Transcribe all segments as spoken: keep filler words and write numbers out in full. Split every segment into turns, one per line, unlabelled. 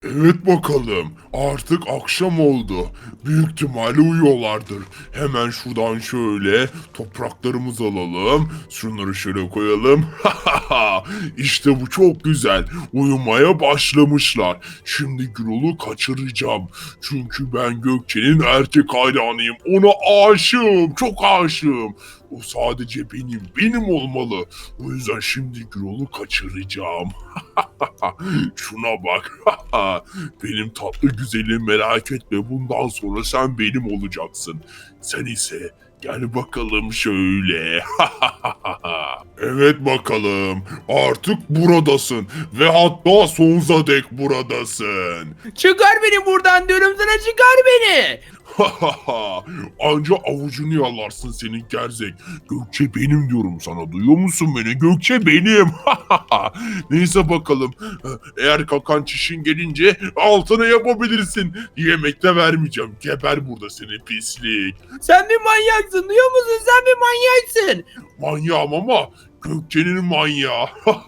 Evet bakalım. Artık akşam oldu. Büyük ihtimalle uyuyorlardır. Hemen şuradan şöyle topraklarımızı alalım. Şunları şöyle koyalım. İşte bu çok güzel. Uyumaya başlamışlar. Şimdi Gürol'u kaçıracağım. Çünkü ben Gökçe'nin erkek hayranıyım. Ona aşığım. Çok aşığım. O sadece benim. Benim olmalı. O yüzden şimdi Gürol'u kaçıracağım. Şuna bak. Benim tatlı güzelim, merak etme, bundan sonra sen benim olacaksın. Sen ise gel bakalım şöyle. Evet bakalım. Artık buradasın. Ve hatta sonsuza dek buradasın.
Çıkar beni buradan diyorum sana, çıkar beni.
Anca avucunu yalarsın senin gerzek. Gökçe benim diyorum sana. Duyuyor musun beni? Gökçe benim. Neyse bakalım. Eğer kakan çişin gelince altına yapabilirsin. Yemek de vermeyeceğim. Geber burada seni pislik.
Sen bir manyaksın, duyuyor musun? Sen bir manyaksın.
Manyağım ama Gökçe'nin manyağı.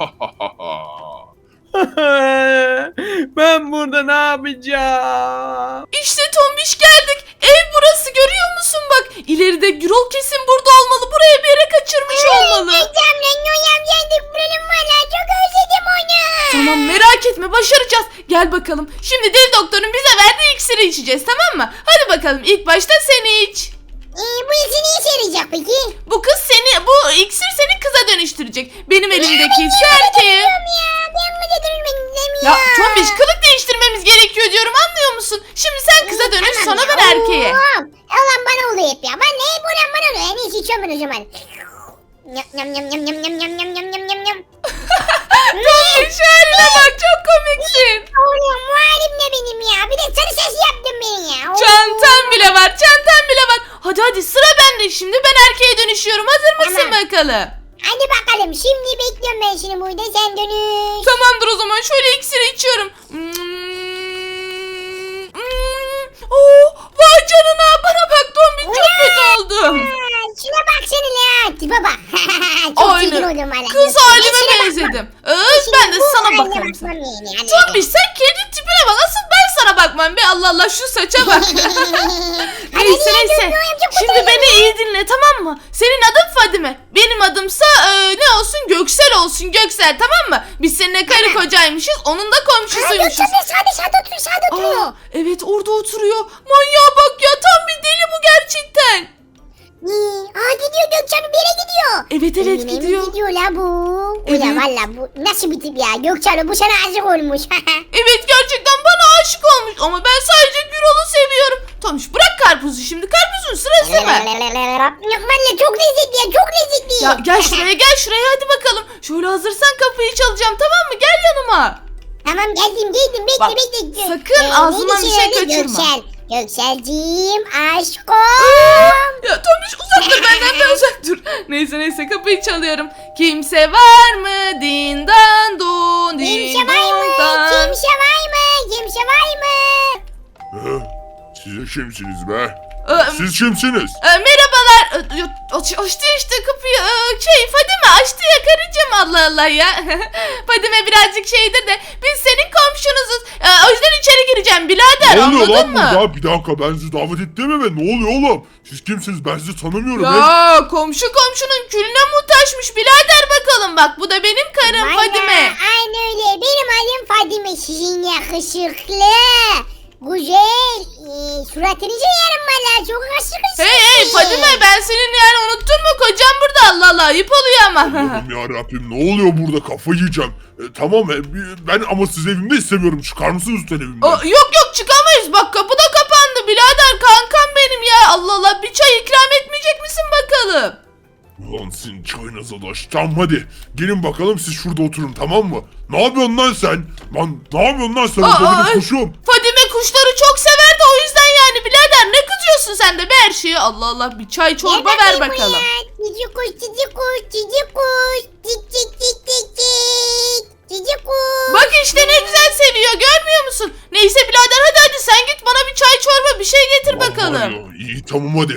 Ben burada ne yapacağım?
İşte Tombiş geldik. Ev burası, görüyor musun bak. İleride Gürol kesin burada olmalı. Buraya bir yere kaçırmış olmalı. Tamam, merak etme, başaracağız. Gel bakalım. Şimdi deli doktorun bize verdiği iksiri içeceğiz, tamam mı? Hadi bakalım, ilk başta sen iç.
Ee, bu işi ne işe yarayacak peki?
Bu kız seni, bu iksir seni kıza dönüştürecek. Benim elimdeki ise erkeğe.
Ya ben mi de dönülmek
Ya Tombiş, kılık değiştirmemiz gerekiyor diyorum, anlıyor musun? Şimdi sen kıza dönüş, sonra ben erkeğe.
Allah bana oluyor hep ya. Ben ne hep olan bana oluyor. En iyisi içiyorum ben o zaman. Yam yam yam yam yam yam yam yam yam yam yam.
Tombiş, haline bak, çok komiksin.
Oğlum bu halim ne benim ya? Bir de sarı ses yaptın beni ya.
Çantan bile var, çantan bile var. Hadi hadi, sıra bende şimdi, ben erkeğe dönüşüyorum. Hazır mısın
Tamam.
bakalım?
Hadi bakalım şimdi bekliyorum ben seni burada, sen dönüş.
Tamamdır, o zaman şöyle iksiri içiyorum. Hmm. Hmm. Oo, vay canına, bana bak Tombiş, çok kötü oldum.
Aa, şuna bak seni la. Tipe bak. Çok çirkin
Aynen.
oldum valla.
Kız halime
Şuna bak,
benzedim.
bak.
Evet,
Şimdi
ben de
bu
sana
haline
bakarım.
bakmam yani, hadi.
Tombiş, sen kendi tipine bak. Asıl ben sana bakmam be. Allah Allah, şu saça bak.
Hadi
Neyse
niye
neyse.
dönüyorum, çok
Şimdi
utanıyorum
beni iyi dinle, tamam mı? Senin adın Fadime. Benim adımsa e, ne olsun? Göksel olsun. Göksel, tamam mı? Biz seninle karı kocaymışız. Onun da
Aa,
komşusuymuşuz.
Gökçen sağda sağda oturuyor, sağda oturuyor.
Aa, evet, orada oturuyor. Manyağa bak ya, tam bir deli bu gerçekten.
Ee, Aa gidiyor Gökçen, bir yere gidiyor.
Evet evet,
Evine mi
gidiyor.
gidiyor la bu?
Evet.
Ulan valla bu nasıl bir tip ya? Gökçen bu sana aşık olmuş.
Evet, gerçekten bana aşık olmuş ama ben sadece Gürol'u seviyorum. Tombiş, bırak karpuzu şimdi. Karpuzun sırası mı?
Valla çok lezzetli ya, çok lezzetli.
Ya gel şuraya, gel şuraya, hadi bakalım. Şöyle hazırsan kapıyı çalacağım, tamam mı? Gel yanıma.
Tamam geldim geldim, bekle
Bak,
bekle.
sakın
Ee,
ağzından
neydi
bir şey
adı?
kaçırma.
Göksel. Gökselciğim aşkım.
Ya Tombiş, uzak dur benden de uzak dur. Neyse neyse, kapıyı çalıyorum. Kimse var mı? Dindan don,
Kimse
din
var mı?
don dan.
Kimse var mı? Kimse var mı?
Hı? Siz kimsiniz be?
Ee,
Siz kimsiniz?
e, merhabalar. E, yo- aç- açtı işte kapıyı. E, şey, Fadime açtı ya karıcığım, Allah Allah ya. Fadime birazcık şeydir de biz senin komşunuzuz. E, o yüzden içeri gireceğim birader,
Ne oluyor
anladın
lan
mı?
burada? Bir dakika, ben sizi davet ettim mi? Ne oluyor oğlum? Siz kimsiniz? Ben sizi tanımıyorum. Ben-
Ya komşu komşunun külüne muhtaçmış birader, bakalım bak, bu da benim karım
Valla,
Fadime.
aynen öyle. Benim adım Fadime. Sizin yakışıklı, güzel, e, suratınızı yerim valla. Çok yakışıklısınız.
Hey hey Fadime, ben senin yani unuttun mu, kocam burada, Allah Allah, ayıp oluyor ama.
Allah'ım yarabbim, ne oluyor burada? Kafayı yiyeceğim. E, tamam e, ben ama sizi evimde istemiyorum. Çıkar mısınız lütfen evimden?
Aa, yok yok, çıkamayız, bak kapı da kapandı birader, kankam benim ya, Allah Allah, bir çay ikram etmeyecek misin bakalım?
Ulan sizin çayınıza da. Tamam hadi. Gelin bakalım, siz şurada oturun, tamam mı? Ne yapıyorsun lan sen? Lan ne yapıyorsun lan sen?
Aa,
Orada benim
ay.
kuşum.
Fadime kuşları çok sever de o yüzden yani birader, ne kızıyorsun sen de be her şeye, Allah Allah, bir çay çorba ver bakalım.
Cici kuş, cici kuş, cici kuş. Cik cik cik cik cik. Cici kuş.
Bak işte ne güzel seviyor, görmüyor musun? Neyse birader, hadi hadi sen git bana bir çay çorba bir şey getir
Ulan var
bakalım.
ya, İyi tamam hadi.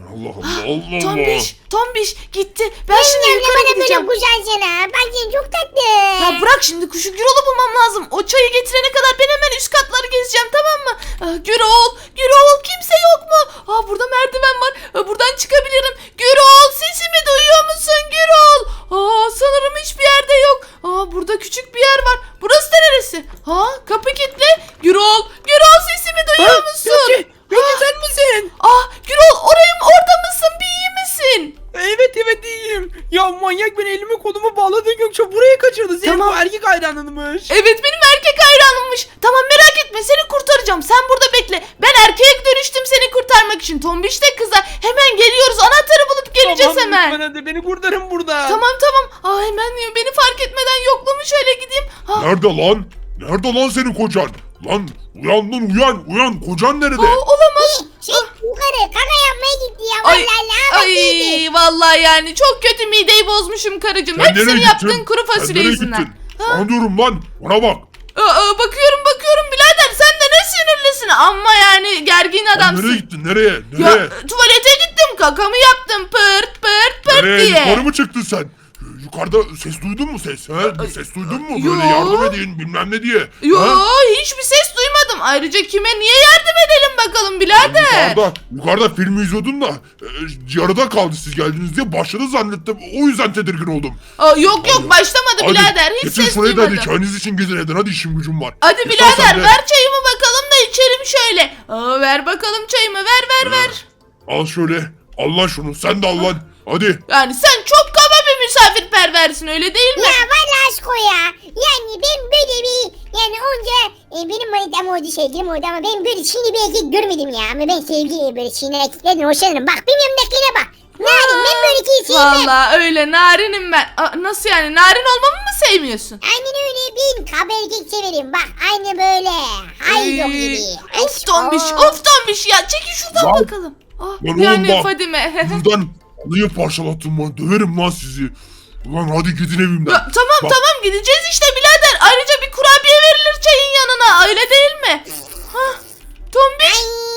Allah Allah Allah.
Tombiş, Tombiş gitti. Ben şimdi
Annem
yukarı
bana böyle
gideceğim.
kucaksana. Bak sen çok tatlı.
Ya bırak şimdi şu Gürol'u bulmam lazım. O çayı getirene kadar ben hemen üst katları gezeceğim, tamam mı? Aa, Gürol, Gürol kimse yok mu? Aa, burada merdiven var. Aa, buradan çıkabilirim. Gürol sesimi duyuyor musun Gürol? Aa, sanırım hiçbir yerde yok. Aa, burada küçük bir yer var. Burası da neresi? Ha, kapı kilitli. Gürol, Gürol sesimi duyuyor musun?
Gökçe, Gökçe sen misin?
Ah, Gürol oraya orada mısın? Bir iyi misin?
Evet evet iyiyim. Ya manyak beni elimi kolumu bağladı Gökçe buraya kaçırdı. Senin
Tamam.
bu erkek hayranınmış.
Evet benim erkek hayranımmış. Tamam merak etme seni kurtaracağım. Sen burada bekle. Ben erkeğe dönüştüm seni kurtarmak için. Tombiş de kıza. Hemen geliyoruz. Anahtarı bulup geleceğiz
Tamam,
hemen.
lütfen hadi beni kurtarın burada.
Tamam tamam. Aa, hemen beni fark etmeden yoklamış şöyle gideyim. Ha,
Nerede lan? Nerede lan senin kocan? Lan uyan lan uyan uyan kocan nerede?
aa, olamaz.
Şey yukarı kaka yapmaya gitti ya.
Ay,
Vallahi lanet
ay vallahi yani çok kötü mideyi bozmuşum karıcığım.
Sen
Hep
nereye
senin
gittin?
yaptığın kuru
Sen
fasulye
nereye
yüzünden.
gittin? Sana diyorum lan bana bak.
Aa, bakıyorum bakıyorum birader sen de ne sinirlisin. Ama yani gergin
Sen
adamsın.
nereye gittin nereye?
Ya
Nereye?
tuvalete gittim kakamı yaptım pırt pırt pırt
Nereye?
diye.
Yukarı mı çıktın sen? Yukarıda ses duydun mu ses? He? Bir ses duydun mu? Böyle
Yo.
yardım edin bilmem ne diye.
Yo
Ha?
hiçbir ses duymadım. Ayrıca kime niye yardım edelim bakalım birader.
Yukarıda, yukarıda film izliyordum da e, yarıda kaldı siz geldiniz diye başladı zannettim. O yüzden tedirgin oldum.
Aa, yok yok başlamadı
Hadi
birader hiç
geçin
ses
şurayı da hadi
duymadım.
çayınız için gidin edin hadi işim gücüm var.
Hadi
Geç lan
birader
sen de.
ver çayımı bakalım da içelim şöyle. Aa, ver bakalım çayımı ver ver ver.
Al şöyle. Al lan şunu sen de al lan. Hadi.
Yani sen çok kaba bir misafirperversin öyle değil mi?
Ya vallahi aşk o ya. Yani ben böyle bir yani onca e, benim manitam oldu sevgilim oldu ama ben böyle çiğni bir erkek görmedim ya. Ama ben sevgili böyle çiğni erkeklerden hoşlanırım. Bak benim yanımdakine bak. Narin ben böyle kimseyi sevmem.
Vallahi öyle narinim ben. Aa, nasıl yani narin olmamı mı sevmiyorsun?
Aynen öyle ben kaba erkek severim. Bak aynı böyle. Haydo
Ay,
gibi.
Of
Aşk
tombiş
o.
of tombiş ya çekil şuradan
Lan.
bakalım. Ah,
Lan oğlum
yani
bak.
Fadime.
Buradan alıyı parçalattım lan. Döverim lan sizi. Ulan hadi gidin evimden.
Ya, tamam
Bak.
tamam gideceğiz işte birader. Ayrıca bir kurabiye verilir çayın yanına öyle değil mi? Hah, tombiş.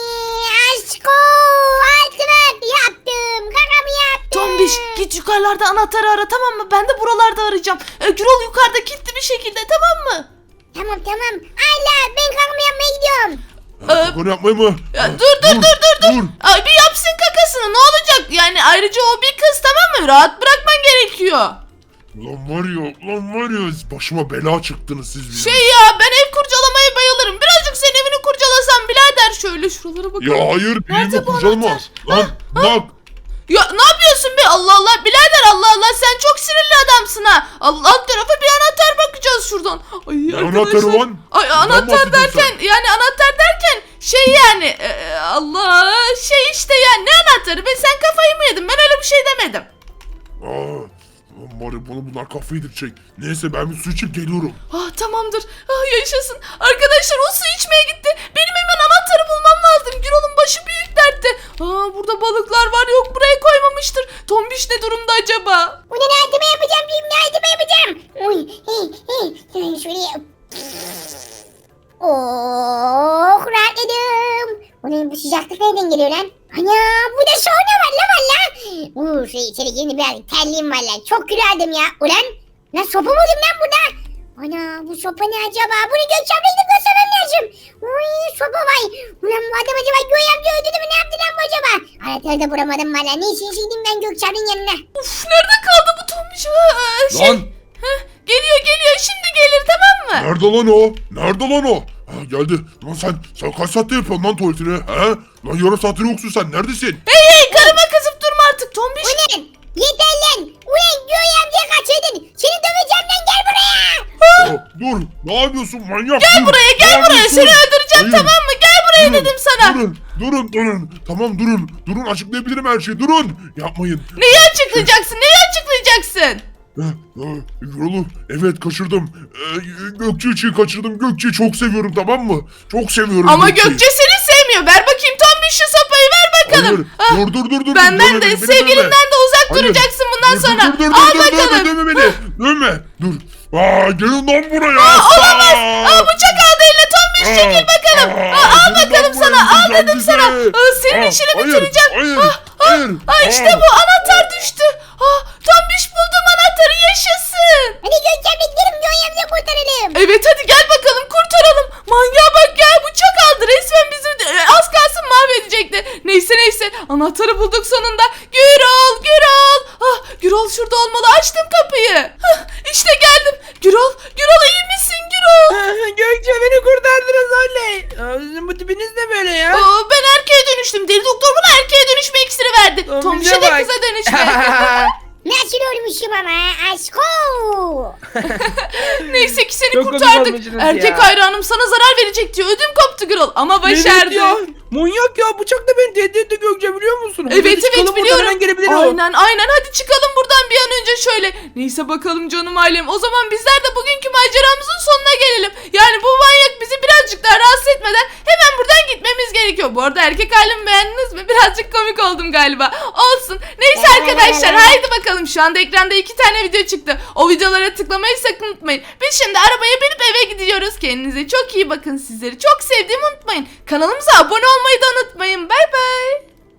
Ay aşk o. Altıma yaptım. Kakamı yaptım.
Tombiş git yukarılarda anahtarı ara tamam mı? Ben de buralarda arayacağım. E, Gürol yukarıda kilitli bir şekilde tamam mı?
Tamam tamam. Allah ben kakamı yapmaya gidiyorum.
Ee,
Bunu yapmayı mı?
Ya,
Ha,
dur dur dur dur dur.
dur.
Ay, bir yapsın kakasını ne olacak? Yani ayrıca o bir kız tamam mı? Rahat bırakman gerekiyor.
Ulan var ya, ulan var ya başıma bela çıktınız siz benim.
Şey ya ben ev kurcalamaya bayılırım. Birazcık senin evini kurcalasam birader şöyle şuralara bakalım.
Ya hayır
Nerede
bilimi
bu
kurcalama.
anahtar?
Lan bak.
Ya ne yapıyorsun be Allah Allah birader Allah Allah sen çok sinirli adamsın ha. Allah alt tarafa bir anahtar bakacağız şuradan. Ay
Ne
arkadaşlar.
anahtarı lan?
Ay
Neden
anahtar
bahsediyorsun
derken yani anahtar derken şey yani e, Allah şey işte yani ne anahtarı be sen kafayı mı yedin ben öyle bir şey demedim.
Aa, ulan var ya bana bunlar kafayı yedirecek. Neyse ben bir su içip geliyorum.
Ah tamamdır ah yaşasın. Arkadaşlar o su içmeye gitti. Benim hemen anahtarı bulmam lazım. Gürol'un başı büyük dertte. Aa burada balıklar var yok buraya koymamıştır. Tombiş ne durumda acaba?
Bunu nerede yapacağım diyeyim nerede yapacağım. Uy, hey, hey. Şuraya. Oh rahatladım. Onun bu sıcaklık nereden geliyor lan? Ana bu da sauna var la valla. Uuu şey içeri yeni biraz terliğim var lan. Çok gülerdim ya. Ulan lan sopa mı oldum lan burada? Ana bu sopa ne acaba? Bunu Gökçem'le gidip göstermem lazım. Uy sopa vay. Ulan bu adam acaba Göğe öldürdü mü ne yaptı lan bu acaba? Anahtarı da bulamadım valla. Neyse şeydim ben Gökçem'in yanına.
Uf nerede kaldı bu Tombiş? Aa, şey,
Lan
heh, geliyor geliyor şimdi gelir tamam mı?
nerede lan o? Nerede lan o? Ha geldi. Lan sen, sen kaç saatte yapıyorsun lan tuvaletini? He? Lan yarım saattir yoksun sen neredesin?
Hey hey karıma kızıp durma artık Tombiş.
Ulan yeter lan. Ulan Göğe amcaya kaçırdın. Seni döveceğim lan gel buraya.
Aa, dur ne yapıyorsun manyak?
Gel
dur.
buraya
Ne
gel buraya
yapıyorsun?
seni öldüreceğim
Hayır.
tamam mı? Gel buraya
Durun,
dedim sana.
Durun, durun, durun. Tamam durun. Durun açıklayabilirim her şeyi. Durun. Yapmayın.
Neyi açıklayacaksın? Neyi açıklayacaksın?
Yolu evet kaçırdım. Ee, Gökçe için kaçırdım. Gökçe'yi çok seviyorum tamam mı? Çok seviyorum
Ama
Gökçe'yi.
Gökçe seni sevmiyor. Ver bakayım Tombiş şu sopayı ver bakalım.
Hayır.
Ah,
Dur dur dur dur.
benden
Dövme
de
beni, beni
sevgilinden
dövme.
de uzak
Hayır.
duracaksın bundan
Dur,
sonra.
Dur dur dur
Al
dur,
bakalım.
dövme, dövme beni. Dövme. Dur. Aa gelin lan buraya.
Aa, olamaz.
Aa.
Aa, bıçak aldı eline Tombiş çekil bakalım.
Aa,
Aa, al
gelin lan
bakalım
buraya,
sana. Al
öldüreceğim
dedim
sizi.
sana. Aa, senin
Aa,
işini
hayır,
bitireceğim.
hayır,
Ah, Aa, işte bu anahtar düştü. Aa, Tombiş buldum anahtarı, yaşasın.
Hadi Gökçen'le gidelim Gökçen'le kurtaralım.
Evet hadi gel bakalım kurtaralım. Manyağa bak ya, bıçak aldı resmen bizi, e, az kalsın mahvedecekti. Neyse neyse anahtarı bulduk sonunda. Gürol Gürol. Ah, Gürol şurada olmalı, açtım kapıyı. Hah, işte geldim. Gürol Gürol iyi misin Gürol?
Gökçe beni kurtardınız oley. Aa, Sizin bu tipiniz ne böyle ya?
Aa, ben erkeğe dönüştüm. Deli doktor bana erkeğe dönüşme iksiri verdi.
Tombiş'e
Tombiş'e de
bak.
kıza dönüşme.
Nasıl olmuşum ama aşko.
Neyse ki seni
Çok komik
kurtardık.
olmuşsunuz
Erkek
ya.
hayranım sana zarar verecek diyor. Ödüm koptu Gürol ama başardı.
Evet ya. Manyak ya, bıçakla beni tehdit etti Gökçe, biliyor musun? Hadi
Evet
çıkalım
evet
buradan,
biliyorum.
hemen gelebilir o.
Aynen aynen, hadi çıkalım buradan bir an önce şöyle. Neyse bakalım canım ailem. O zaman bizler de bugünkü maceramızın sonuna gelelim. Yani bu manyak bizi birazcık daha rahatsız etmeden hemen buradan gitmemiz gerekiyor. Bu arada erkek halimi beğendiniz mi? Birazcık komik oldum galiba. Olsun. Neyse arkadaşlar haydi bakalım. Şu anda ekranda iki tane video çıktı. O videolara tıklamayı sakın unutmayın. Biz şimdi arabaya binip eve gidiyoruz. Kendinize çok iyi bakın. Sizleri çok sevdiğimi unutmayın. Kanalımıza abone olmayı da unutmayın.